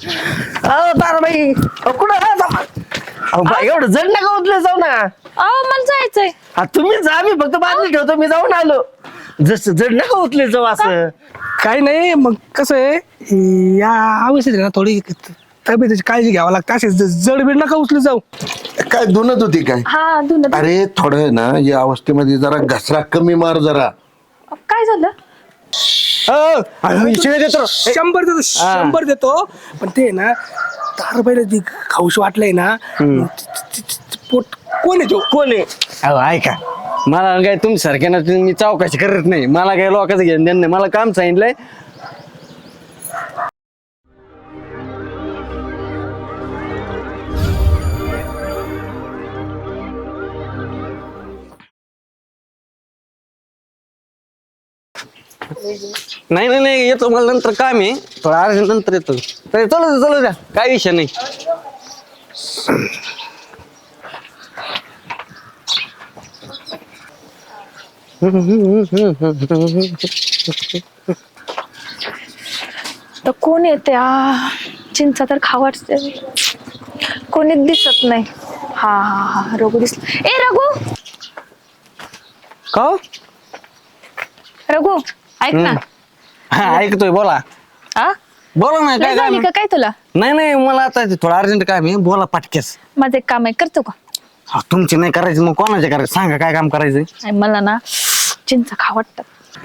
अहो ताराबाई कुठं एवढं जड नका उचले जाऊ ना. अहो मला जायचंय. तुम्ही जा, मी फक्त बाजूला ठेवतो, मी जाऊन आलो. जस जड नका उचले जाऊ असं. काही नाही. मग कसं आहे या अवस्थेत ना थोडी तब्येतीची काळजी घ्यावं लागते. असे जड बीड नका उचलू जाऊ. काय धुनत होती काय? हा धुन. अरे थोडं ना या अवस्थेमध्ये जरा घसरा कमी मार जरा. काय झालं? शिळे देतो 100 देतो 100 देतो. पण ते ना तारबाईला ती खाऊशी वाटलंय ना. पोट कोण आहे तो? कोण आहे? अहो ऐका, मला काय तुमच्या सारख्या मी चौकशी करत नाही. मला काय लोकांचं घेणं देणं नाही. मला काम सांगितलंय. नाही नाही नाही येतो, मला नंतर काम आहे थोडं अर्जंट, नंतर येतो. तरी चलो द्या, काय विषय नाही. तर कोण येते? चिंचा तर खा वाटते. कोणीच दिसत नाही. हा हा हा रघु दिसला. ए रघु, का रघु ऐक ना. हा ऐकतोय, बोला हा बोला ना. काय काम झाली का काय तुला? नाही मला आता थोडं अर्जंट काम आहे, बोला पाटकेस. माझं एक काम आहे, करतो का? हा, तुमची नाही करायची मग कोणाचे करायचं सांगा, काय काम करायचंय? आणि मला ना चिंचा खा वाटतात.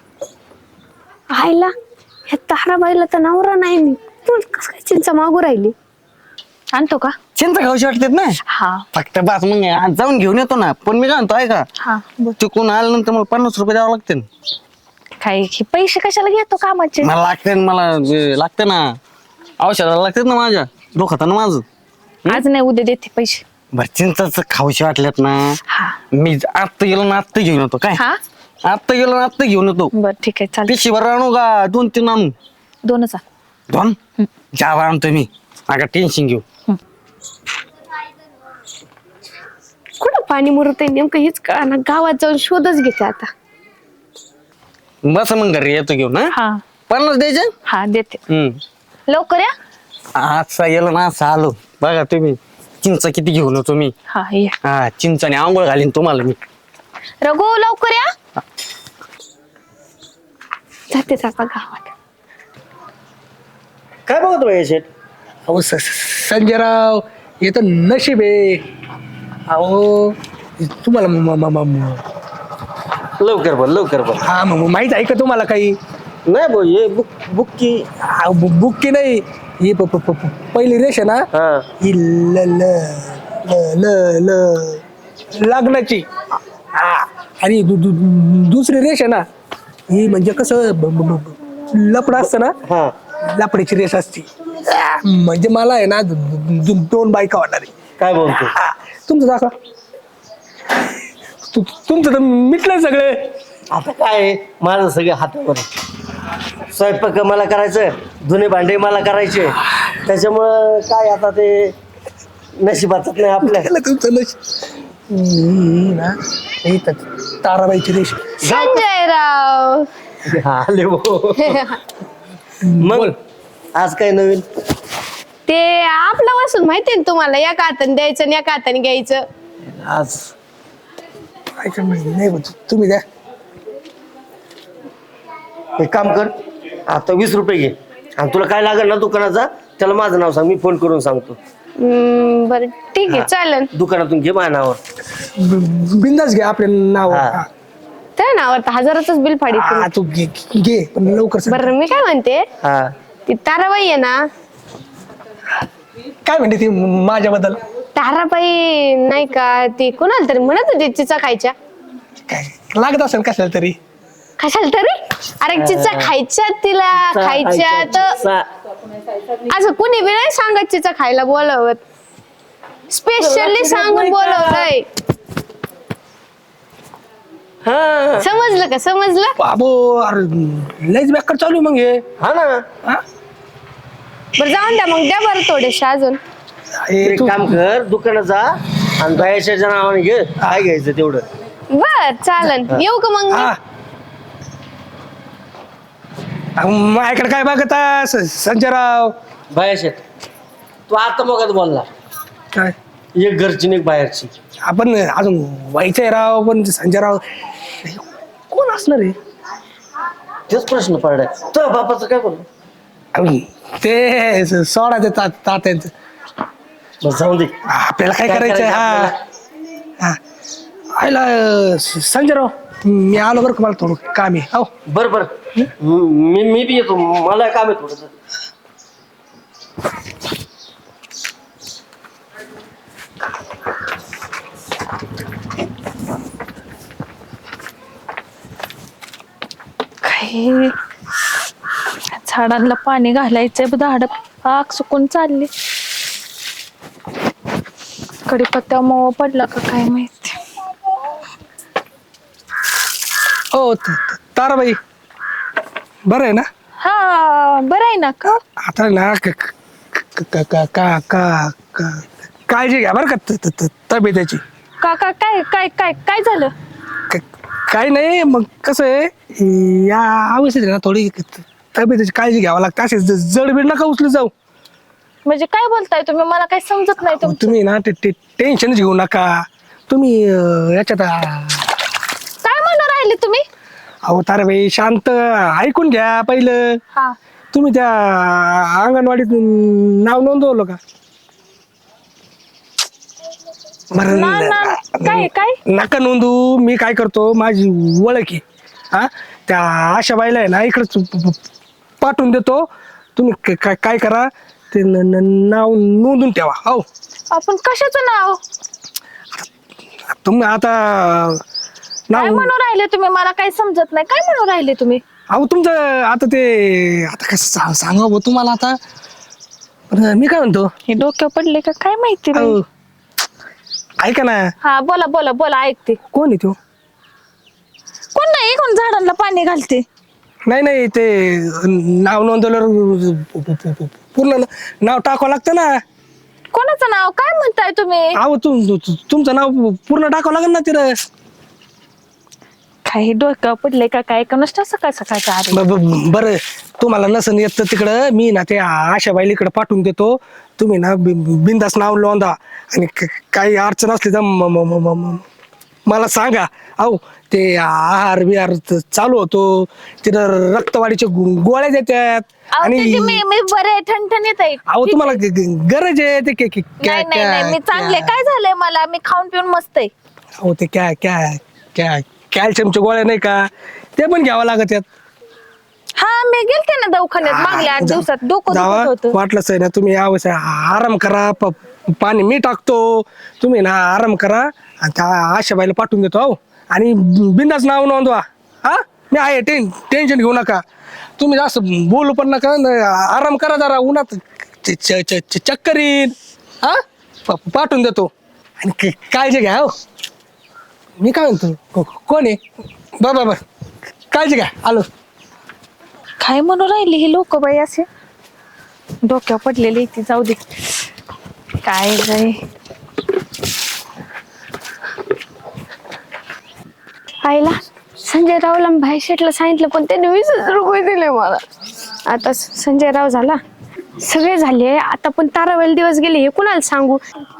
आईला ह्या ताराबाईला तर नवरा नाही. मी तू कसं काय चिंचा मागू राहिली? आणतो का? चिंता खाऊशी वाटतात ना. हा फक्त बस मग आज जाऊन घेऊन येतो ना. पण मी काय म्हणतो ऐका, हा बोल. तिकून आल्यानंतर मला 50 रुपये द्यावं लागते. काय हे पैसे कशाला घेतो कामाचे? मला लागते, मला लागते ना, औषधाला लागतात ना माझ्या, दुखत ना माझं. आज नाही उद्या देते पैसे. बरं चिंचाच खाऊशी वाटल्यात ना. हा मी आत्ता गेलो ना आत्ता घेऊन येतो. काय हा आत्ता गेलो ना आत्ता घेऊन येतो. बर ठीक आहे चालेल. पिशीभर आणू का 2-3 आणू? 2च आण. 2 जावा आणतो मी. नका टेन्शन घेऊ. कुठं पाणी मुरत आहे नेमकं हेच कळा ना. गावात जाऊन शोधच घेते आता. बस मग घरी येतो घेऊन. हा 50 द्यायचे. हा देते. लवकर या. आजचा गेलो ना असं आलो बघा तुम्ही. चिंच किती घेऊन येतो मी. हा ये. हा चिंचाने आंघोळ घालीन तुम्हाला मी. रघु लवकर या. जाते आता गावात. काय बघतो भाई शेठ? अहो संजयराव हे तर नशीब आहे. अहो तुम्हाला लवकर बोल, लवकर बोल. हा मग माहित आहे का तुम्हाला काही? नाही भाऊ, हे बुक की. बुक की नाही. ही पहिली रेष आहे ना. हा ही ल ल ल ल ल लग्नाची. हा आणि दुसरी रेष आहे ना. ही म्हणजे कसं लपड असतं ना. हा लपडीची रेष असते. म्हणजे मला आहे ना 2 बायका वाटणार आहे. काय बोलतो? हा, तुमचं दाखवा. तुमचं तर मिटलंय सगळे. आता काय आहे, माझं सगळं हातावर आहे. स्वयंपाक मला करायचं, धुणे भांडे मला करायचे. त्याच्यामुळं काय आता ते नशिबातच नाही आपल्या. त्याला तुमचं ना हे तर ताराबाईची रेष. संजयराव आले भाऊ. मग आज काय नवीन? ते आपलं वसूल माहितीये ना तुम्हाला. एका हाताने द्यायचं आणि एका हाताने घ्यायचं. आज नाही होत. तुम्ही द्या. एक काम कर, आता 20 रुपये घे आणि तुला काय लागेल ना दुकानाचा त्याला माझं नाव सांग, मी फोन करून सांगतो. बरं ठीक आहे चालेल. दुकानातून घे माझ्या नावावर. बिंदास घ्या आपल्या नाव. हा. त्या नावावर तर 1000च बिल फाडी. तू घे पण लवकर सांग. बरं मी काय म्हणते, हा ती ताराबाई आहे ना. काय म्हणते ती माझ्याबद्दल? ताराबाई नाही का, ती कोणाला तरी म्हणत होती चिचा खायच्या. काय लागत असेल कशाला तरी. कशाला तरी? अरे चिचा खायच्या तिला खायच्या तर असं कुणी बी नाही सांगत चिचा खायला बोलवत. स्पेशली सांगून बोलवलंय. समजलं का? समजलं? बाबो अरे लयच बेकार चालू आहे मग हे. हा ना. हा? बरं जाऊन द्या मग, द्या बरं थोडेसे अजून. हे एक तू- काम कर, दुकानात जा आणि बायाच्या नावाने घे. काय घ्यायचं तेवढं. बर चालन. येऊ का मग मी? हा. माझ्याकडे काय बघता संजयराव? बाहेर शेट तू आता मग बोलला काय एक घरची नाही बाहेरची. आपण अजून व्हायचंय राव, पण संजय राव कोण असणार आहे? तेच प्रश्न पडलाय. तो बापाचं काय बोललो अहो, ते सोडा ते तात्यांचं. बस जाऊ दे. आपल्याला काय काय करायचंय? करायचं हा हा आयला संजय राव, मी आलो बरं का, मला थोडं काम आहे. हो बर बर मी बी येतो, मला काम आहे थोडस. काही झाडांना पाणी घालायचंय, झाड पाक सुकून चालली. कडीपत्ता मोह पडला का काय माहिती. हो ताराबाई, बरं आहे ना? हा बरं आहे ना का? आता ना काळजी घ्या बरं का तब्येतीची. का का काय काय काय काय झालं? काही नाही, मग कसं आहे या अवस्थेत ना थोडी तब्येतीची काळजी घ्यावं लागते. असे जडबीड नका उचलू जाऊ. म्हणजे काय बोलताय तुम्ही? मला काही समजत नाही अहो, तुमचं. तुम्ही ना ते टेन्शनच घेऊ नका. तुम्ही याच्यात काय म्हणून राहिले तुम्ही? अहो ताराबाई शांत ऐकून घ्या पहिलं. हा तुम्ही त्या अंगणवाडीत नाव नोंदवलं का? बरं, काय काय नका नोंदू. मी काय करतो, माझी ओळख आहे हा, त्या आशाबाईला आहे ना इकडंच पाठवून देतो. तुम्ही काय करा, ते नाव नोंदून ठेवा. हो आपण कशाचं नाव? तुम्ही आता काय नाव, म्हणून राहिले तुम्ही? मला काही समजत नाही. काय म्हणून राहिले तुम्ही? अहो तुमचं आता ते आता कसं सांगा भाऊ तुम्हाला आता. बरं, मी काय म्हणतो, हे डोक्यावर पडले का काय माहिती बाई. अहो, ऐका ना. हा बोला बोला बोला, ऐकते. कोण आहे तो? कोण नाही, कोण झाडांना पाणी घालते? नाही ते नाव नोंदवल्यावर पूर्ण नाव टाकावं लागतं ना. कोणाचं नाव? काय म्हणताय तुम्ही? अहो तुमचं नाव पूर्ण टाकावं लागेल ना तिथं. काही डोक्यावर पडले का काय? का नसतं सकाळ सकाळच्या आधी. बरं, तुम्हाला नसन येत तर तिकडं मी ना ते आशाबाईला इकडं पाठवून देतो. तुम्ही ना बिंदास नाव नोंदा, आणि काही अडचण असली तर मला सांगा. अहो ते आहार बिहार चालू होतो, तिथं रक्तवाढीचे गोळ्या देतात. अहो, त्याची मी बरे ठणठणीत आहे. अहो तुम्हाला गरज आहे ते नाही नाही नाही, मी चांगले. काय झालंय मला? मी खाऊन पिऊन मस्त आहे. अहो ते कॅल्शियमच्या गोळ्या नाही का, ते पण घ्यावं लागत आहेत. हा मी गेलते ना दवाखान्यात मागल्या 8 दिवसात. डोकं दुखत होतं. वाटलंच आहे ना, तुम्ही यावं आराम करा. पाणी मी टाकतो, तुम्ही ना आराम करा. आणि त्या आशाबाईला पाठवून देतो. अहो आणि बिंदास नाव नोंदवा. हा मी आहे, टेन्शन घेऊ नका. तुम्ही जास्त बोलू पण नका, आराम करा जरा. उन्हात चक्कर येईल. हा पाठवून देतो, आणि काळजी घ्या. हो मी काय म्हणतो, कोण आहे? बर काळजी घ्या, आलो. काय म्हणून राहिली ही लोक बाई असे? डोक्यावर पडलेली ती. जाऊ दे, काय जाय. आईला संजय रावला भाई शेटला सांगितलं, पण त्याने 20,000 रुपये दिले मला. आता संजय राव झाला, सगळे झाले. आता पण ताराबाईला दिवस गेले, हे कुणाला सांगू?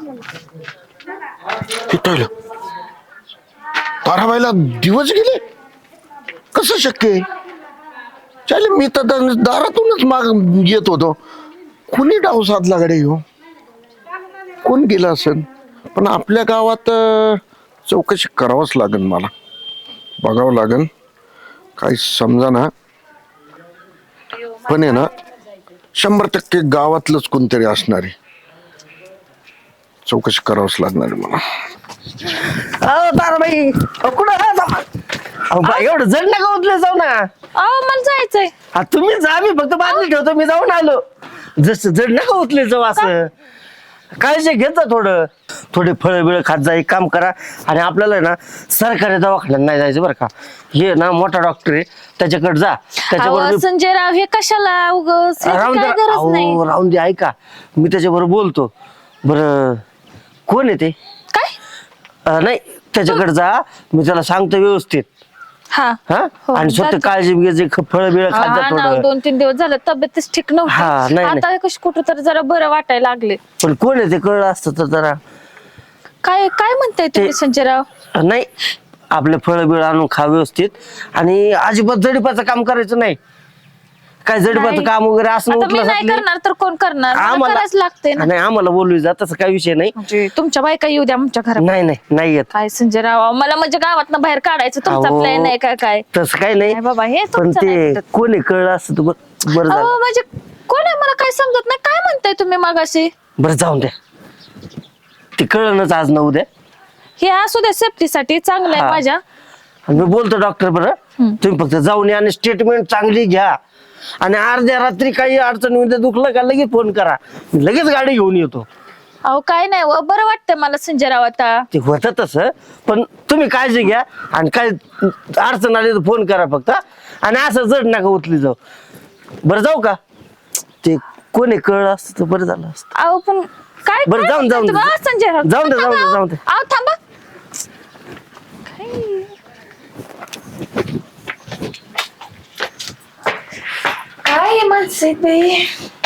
ताराबाईला दिवस गेले, कसं शक्य आहे? चालेल, मी तर दारातूनच माग येत होतो. कुणी डाव साधला गाडी घेऊ? कोण गेला असेल? पण आपल्या गावात चौकशी करावंच लागेल, मला बघावं लागेल. काही समजा ना, पण आहे ना 100% गावातलंच कोणतरी असणार आहे. चौकशी करावंच लागणार आहे मला. अहो ताराबाई, कुठं एवढं जड नका उचले जाऊ ना. अहो मला जायचंय. तुम्ही जा, मी फक्त बाजूला ठेवतो. मी जाऊन आलो. जसं जड नका उचले जाऊ. असं काळजी घेत जा. थोडे फळं बिळ खात जा. एक काम करा, आणि आपल्याला ना सरकारी दवाखान्यात नाही जायचं बरं का. हे ना मोठा डॉक्टर आहे, त्याच्याकडे जा. अहो, संजय राव हे कशाला उगाच? याची राहून काय गरज नाही. दे, राहून दे. ऐका, मी त्याच्याबरोबर बोलतो. बरं कोण आहे ते? काय? नाही, त्याच्याकडे जा. मी त्याला सांगतो व्यवस्थित. हा हा हो, आणि स्वतः जाते. काळजी घ्यायची फळ बिळ खात जा हा ना, थोडं 2-3 दिवस झालं तब्येतच ठीक हा, नव्हती नाही, आता कशी कुठं तर जरा बरं वाटायला लागले. पण कोण आहे ते कळलं असतं तर जरा काय काय म्हणताय तुम्ही संजयराव? नाही आपले फळ बिळ आणून खा व्यवस्थित आणि अजिबात जडीपाचं काम करायचं नाही. काय जडीपाचं नाही. काम वगैरे असं आता मी उठलं नाही करणार तर कोण करणार? मला आम्हाला करायच लागते ना. नाही आम्हाला बोलू जा तसं काही विषय नाही. म्हणजे तुमच्या बायका येऊ द्या आमच्या घरात. नाही नाही नाही येत काय संजयराव मला म्हणजे गावात बाहेर काढायचं तुमचा अहो, प्लॅन आहे काय काय? तसं काही नाही नाही बाबा, हे पण तुमचं नाही ते पटत. कोणी कळलं असतं तर बरं झालं. अहो म्हणजे कोण आहे मला काय समजत नाही. काय म्हणताय तुम्ही मगाशी? बरं जाऊन द्या ते कळणच आज न उद्या. हे असू द्या सेफ्टीसाठी चांगलं आहे हा. माझ्या. आणि मी बोलतो डॉक्टर बरं तुम्ही फक्त जाऊन या आणि स्टेटमेंट चांगली घ्या आणि अर्ध्या रात्री काही अडचण होईल दुखलं का लगेच फोन करा मी लगेच गाडी घेऊन येतो. अहो काय नाही बरं वाटतंय मला संजयराव आता. ते होतं तसं पण तुम्ही काळजी घ्या आणि काय अडचण आली तर फोन करा फक्त आणि असं जड नका उचली जाऊ. बरं जाऊ का ते कोणी कळलं असतं तर बरं झालं असतं. अहो पण काय बरं, काय जाऊन- म्हणताय जाऊन तुम्ही? दे. अहो, संजयराव जाऊन दे, थांबा, जाऊन दे, अहो. जाऊन दे. अहो थांबा. काय माणसं आहेत बाई.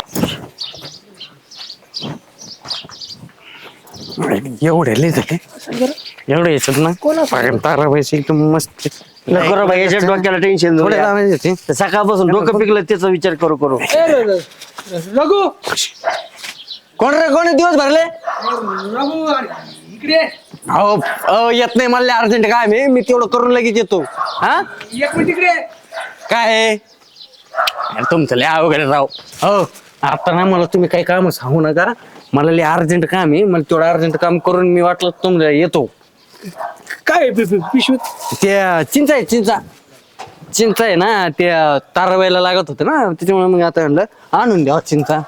एवढे लय झाले एवढे याच्यात ना ताराबाईची एकदम मस्त नको रे बाई याच्या डोक्याला टेन्शन थोडे लावायचे ते. सकाळपासून डोकं पिकलं त्याचा विचार करू करू. रघु कोण रे कोण आहे? दिवस भरले रघु इकडे अहो अहो, येत नाही मला अर्जंट काय मी तेवढं करून लगेच येतो. हा एक मिनिट इकडे. काय आहे? अरे तुमचं लय अवघड आहे राव. हो आता ना मला तुम्ही काही काम सांगू नका. मला लय अर्जंट काम आहे. मला तेवढं अर्जंट काम करून मी वाटलं तुमच्या येतो. काय पिशवीत? त्या चिंचा आहे चिंचा आहे ना ते ताराबाईला लागत होते ना त्याच्यामुळे मग आता म्हणलं आणून द्या चिंचा.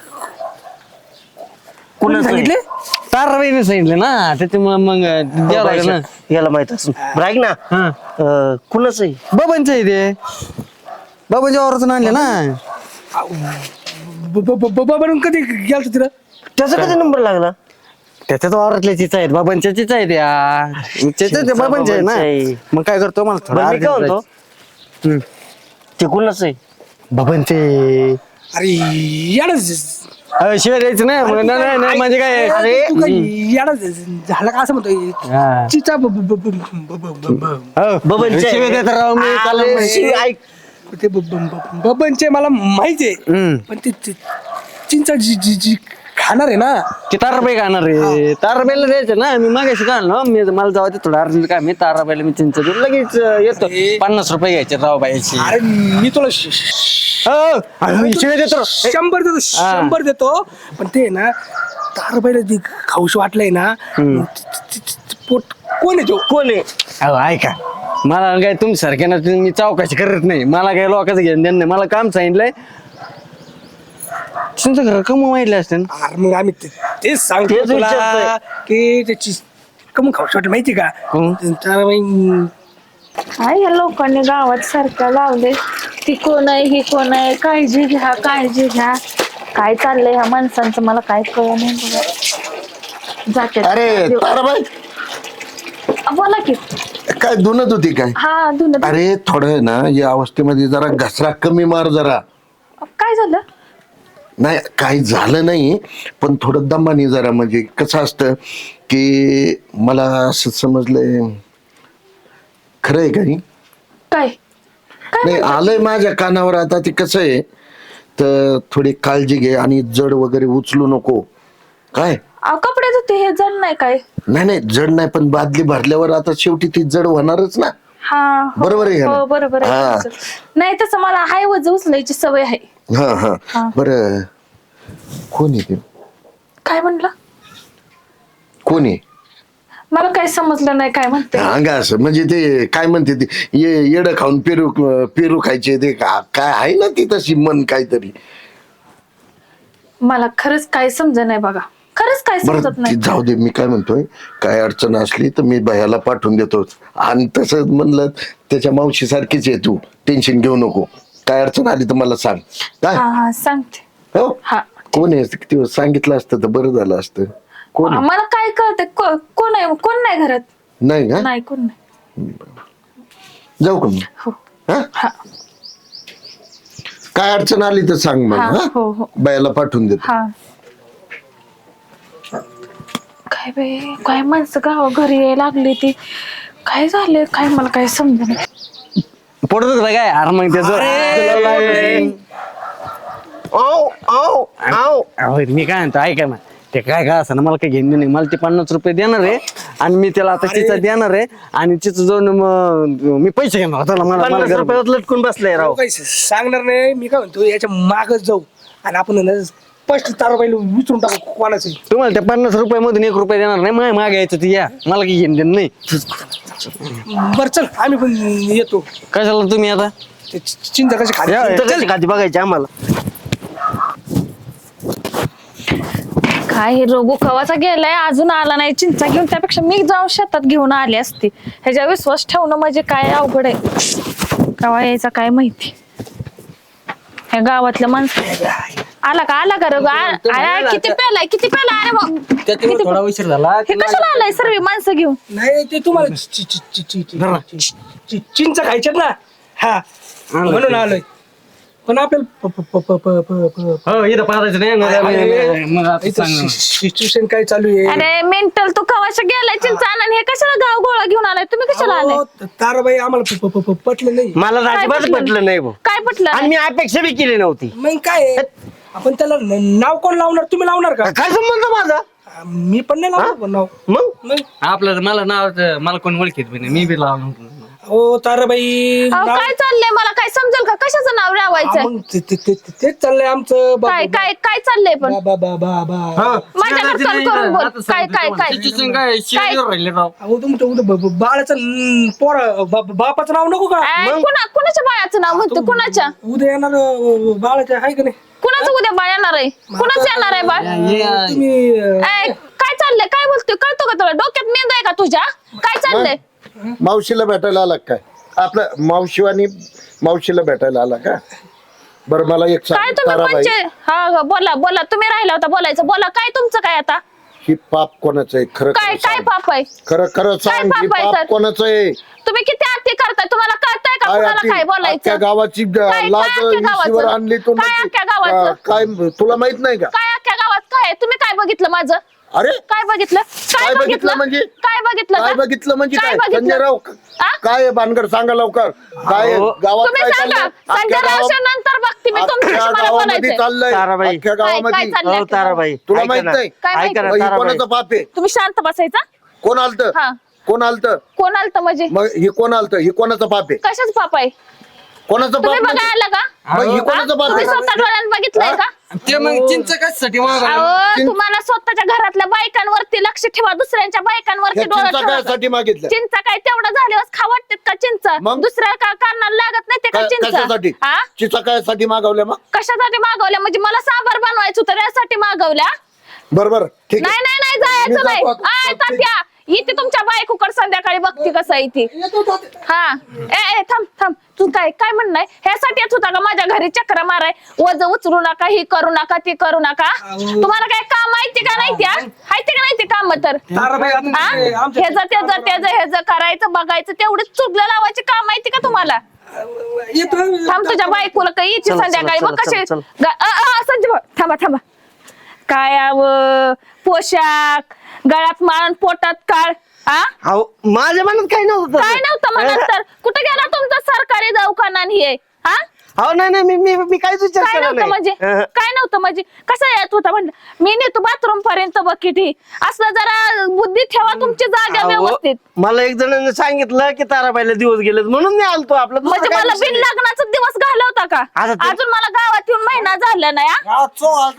कुणा सांगितले? ताराबाईने सांगितले ना त्याच्यामुळे मग द्यावं लागेल ना. याला माहित असून बरं ऐक ना हा कुणाच आहे बाबांचं आहे ते बाबांच्या वावरातून आणले ना. बनून कधी गेलतो तिला? त्याचा कधी नंबर लागला? त्याच्यात वावरातल्या चिचा आहेत बाबांच्या चिचा आहेत या चिचा बाबांच्या आहे बाबांच्या आहे. ना. मग काय करतो मला थोडं बरं, मी काय अर्जंट म्हणतो जायचं. ते कुणाच आहे? बाबांचे अरे याडा शिवाय द्यायचं नाही नाही नाही म्हणजे काय अरे तू काय याडा झाला का असं म्हणतोय? हा. चिचा हो. बबनचे शिवाय देत राव मी काल अरे, माहिती. ऐक ते बबनचे मला माहिती आहे हम्म. पण ते चिंचा जी जी जी खाणार आहे ना ते ताराबाई खाणार रे ताराबाईला द्यायचं ना मी मागायचं का ना मी मला जाऊ दे थोडं अर्जंट काय मी ताराबाईला मी चिंच देऊन लगेच येतो 50 रुपये घ्यायचे राव बाईची. अरे मी तुला शिवाय देतो 100 देतो 100 देतो पण ते ना तारबाईला जी खाऊशी वाटलंय ना पोट कोण आहे तो? कोण आहे? अहो ऐका मला काय तुमच्या सारख्या मी चौकशी करत नाही मला काय लोकांचं घेऊन देणं नाही मला काम सांगितलंय तुमचं घर कमवून माहितलं असतं ना. अरे मग आम्ही तेच सांगतो तेच तुला विचारतोय. की त्याची कमून खाऊशी वाटलं माहिती का? कोण? ताराबाई काय या लोकांनी गावात सारख्या लावले. ती कोण आहे ही कोण आहे काळजी घ्या काळजी घ्या. काय चाललंय ह्या माणसांचं मला काय कळलं नाही बघा. जाते अरे ताराबाई बोला की. काय धुनत होती काय? हा धुन. अरे थोडं ना या अवस्थेमध्ये जरा घसरा कमी मार जरा. काय झालं? नाही काही झालं नाही पण थोडं दमाने जरा म्हणजे कसं असतं की मला असं समजलंय खरं आहे काही काय नाही आलंय माझ्या कानावर आता ते कसं आहे तर थोडी काळजी घे आणि जड वगैरे उचलू नको काय. कपडे धुते हे जण नाही काय? नाही जड नाही पण बादली भरल्यावर आता शेवटी ती जड होणारच ना. हा हो, बरोबर आहे का हो ना? बरोबर आहे हा. तुमचं. नाही तसं मला हाय वज उचलायची सवय आहे. हा हा हा. बरं कोण आहे ते? काय म्हणलं? कोण आहे? मला काय समजलं नाही काय म्हणते. अंगा असं म्हणजे ते काय म्हणते ते येडं खाऊन पेरू पेरू खायचे ते काय आहे ना ती तशी मन काहीतरी. मला खरंच काय समज नाही बघा. खरंच काय बरं समजत ती नाही. जाऊ दे मी काय म्हणतोय काय अडचण असली तर मी भयाला पाठवून देतो आणि तसं म्हणलं त्याच्या मावशी सारखीच आहे तू टेन्शन घेऊ नको काय अडचण आली तर मला सांग काय. हा हा सांगते. हो हा कोण आहे किती सांगितलं असतं तर बरं झालं असतं. कोण आहे? मला काय कळतंय कोण आहे कोण नाही घरात. नाही का नाही कोण नाही. जाऊ का मी हा? काय अडचण आली तर सांग मला हा, हा? हो, हो. बायाला पाठवून देतो. हा काय बाई काय माणसं गावा घरी यायला लागली ती काय झाले काय मला काय समजा पडतच काय अरे मग त्याचं मी काय म्हणतो ऐका ना ते काय असं ना मला काही घेणं नाही मला ते 50 रुपये देणार आहे आणि मी त्याला आता चिचा देणार आहे आणि चिचा जाऊन मग मी पैसे घेणार त्याला मला 50 गरज- रुपयात लटकून बसलाय राव. काही सांगणार नाही. मी काय म्हणतो याच्या मागच जाऊ आणि आपण ना स्पष्ट ताराबाईला विचारून टाकू कोणाचं. तुम्हाला त्या 50 रुपये मधून 1 रुपये देणार नाही मग मागायचं ते या मला काही घेणं देणं नाही बरं चल आम्ही पण येतो. कशाला तुम्ही आता ते चिंता कशी खाली तर कशी खाती बघायची आम्हाला. काय हे रोगू कवाचा गेलाय अजून आला नाही चिंचा घेऊन त्यापेक्षा मी जाऊन शेतात घेऊन आली असती ह्याच्या विश्वास ठेवणं म्हणजे काय अवघड आहे कवा यायचा काय माहिती ह्या गावातल्या माणसं आला का रघु किती पेलाय अरे मग किती थोडा उशीर झाला हे कशाला आलाय सर्व माणसं घेऊन नाही ते तुम्हाला चिंचा खायच्यात ना हा म्हणून आलोय पण हो इथं पाहायचं नाही मग आता सांग ना. सिच्युएशन काय चालू आहे. अरे मेंटल तू कवाशा गेलाय चिंचा आणि हे कशाला गाव गोळा घेऊन आलाय तुम्ही कशाला आलाय अहो, ताराबाई आम्हाला पटलं नाही. मला अजिबात पटलं? पटलं नाही भाऊ. काय पटलं आणि मी अपेक्षा बी केली नव्हती. मग काय आहे? आपण त्याला नाव कोण लावणार तुम्ही लावणार का. काय संबंध माझा मी पण नाही लावणार पण नाव. मग मग आपलं मला नाव मला कोण ओळखीत बी नाही मी बी लावलं हो ताराबाई अहो, नाव- काय चाललंय मला काय समजेल का कशाचं नाव हा, लावायचं मग तेच चाललंय आमचं काय काय काय चाललंय पण माझ्याकडे कल करून बोल काय काय काय अहो तुमचं उद्या बाळाचं बापाचं नाव नको का. कुणाच्या बाळाचं नाव म्हणतो कुणाच्या उद्या येणार बाळाचं आहे का नाही. कुणाचं उद्या बाळ येणार आहे कुणाचं येणार आहे बाळ तुम्ही काय चाललंय काय बोलतोय कळतो का तुला डोक्यात मेंदू आहे का तुझ्या काय चाललंय मावशीला भेटायला आला काय आपलं मावशीला भेटायला आला का. बरं मला एक काय सांग तुम्ही ताराबाई म्हणजे हा बोला तुम्ही राहिला होता बोलायचं बोला काय तुमचं काय आता ही पाप कोणाचं आहे खरं काय काय पाप आहे खरं खरं सांग पाप ही आहे पाप तर? कोणाचं आहे. तुम्ही किती आरती करताय तुम्हाला कळतंय का कुणाला काय अख्ख्या बोलायचं गावाची काय लाज अख्ख्या गावाचं? इशीवर आणली तू काय अख्ख्या गावाचं? काय तुला माहित नाही का. काय अख्ख्या गावात काय आहे? तुम्ही काय बघितलं माझं अरे काय बघितलं काय बघितलं म्हणजे काय बघितलं काय का? बघितलं म्हणजे काय बघितलं? संजयराव आ? काय आहे भानगड सांगा लवकर काय अहो, गावात तुम्ही काय सांगा चाललंय संजय अख्ख्या रावच्या नंतर बघते मी तुमच्याशी अख्ख्या मला गावामध्ये बोलायचंय चाललंय ताराबाई. अख्ख्या काय गावामध्ये चाललंय हो ताराबाई तुला ऐका माहित ना. नाही? काय माहित ऐका ना मग ही ताराबाई. कोणाचा पाप आहे. तुम्ही शांत बसायचा कोण आलत हा कोण आलत कोण आलत म्हणजे मग ही कोण आलत ही कोणाचा पाप आहे कशाच पाप आहे कोणाचं पाप तुम्ही म्हणजे? बघायला आलं का मग ही हा? कोणाचं पाप तुम्ही आहे स्वतः डोळ्यात बघितलंय का ते मग चिंच कशासाठी अहो तुम्हाला स्वतःच्या घरातल्या बायकांवरती लक्ष ठेवा दुसऱ्यांच्या बायकांवरती या डोळा चिंचा ठेवा कायसाठी मागितलं चिंचा काय तेवढं झाल्यावर खा वाटतात का चिंच मग? दुसऱ्या का कारणाला लागत नाही ते का कशासाठी चिंच हा चिचा कायसाठी मागवल्या मग कशासाठी मागवल्या म्हणजे मला सांबार बनवायचं होतं त्यासाठी मागवल्या बरोबर ठीक नाही आहे नाही मी जायचं नाही जातो आता. आय तात्या इथे तुमच्या बायकोकडे संध्याकाळी बघते कसं आहे ती हा ए थांब तू काय म्हणणं आहे ह्यासाठी येत होता का माझ्या घरी चक्र माराय वज उचलू नका ही करू नका ती करू नका तुम्हाला काय काम माहिती का नाही त्या माहिती का नाही ते काम तर ताराबाई आता हा? ते आमच्या ह्याचं करायचं बघायचं तेवढंच चुकलं लावायची काम माहिती का तुम्हाला येतो थांब तुझ्या बायकोला काही येते चल, संध्याकाळी चल, बघ चल, कसे चल. संजय भाऊ, थांबा काय पोशाख गळ्यात माळण पोटात काळ हा अहो माझ्या मनात काही नव्हतं काय नव्हतं म्हणत तर कुठे गेला तुमचा सरकारी दवाखाना आणि हे हा अहो नाही मी काहीच विचार काय केला नव्हतं म्हणजे नाही. काय नव्हतं म्हणजे कसं येत होता म्हणलं मी नेतो बाथरूम पर्यंत बकेट ही असलं जरा बुद्धी ठेवा तुमची जागा अहो, व्यवस्थित मला एक जणांनी सांगितलं की ताराबाईला दिवस गेलेत म्हणून मी आलतो आपलं दुसरं म्हणजे काय मला विषय बिन नाही. लग्नाचा दिवस घालवता का आता ते- अजून मला गावात येऊन महिना झाला नाही हा?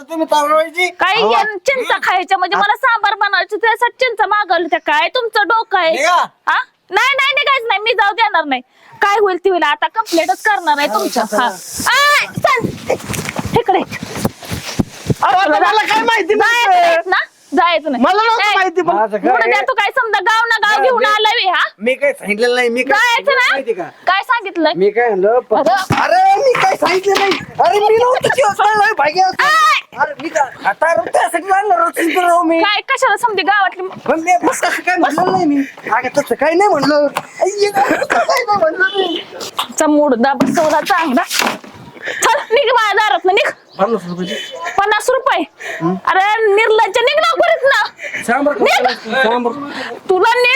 काही अहो, चिंचा खायच्या म्हणजे मला सांबार बनवायचं त्यासाठी चिंचा मागवलं त्या काय तुमचं डोकं आहे हा? नाही निघायचं नाही मी जाऊ देणार नाही काय होईल ती होईल आता कम्प्लेटच करणार आहे तुमच्या हा. आय, चल. इकडे अहो, आता मला काय माहिती जायचं नाही. नाहीत ना जायचं नाही मला नव्हतं ए, माहिती पण माझं काय- पुढे द्या तू काय समजा गाव ना गाव घेऊन आलाय हा मी काय सांगितलेलं नाही मी जायचं माहिती ना का काय सांगितलंय मी काय म्हणलं अरे, अरे मी काय सांगितलं नाही अरे मी नव्हतं आय, अरे मी काय आता त्यासाठी आणलं रचून तर राव मी काय कशाला समजे गावातली पण मी बस असं काय म्हणलं नाही मी अगं तसं काही नाही म्हणलं आई, काही नाही म्हणलं मी चा मुडदा बसवला चांगला. चल निघ माझ्या दारात निघ. 50 रुपये. अरे निर्लज्ज निघ ना परत ना. सांबर निघ. तुला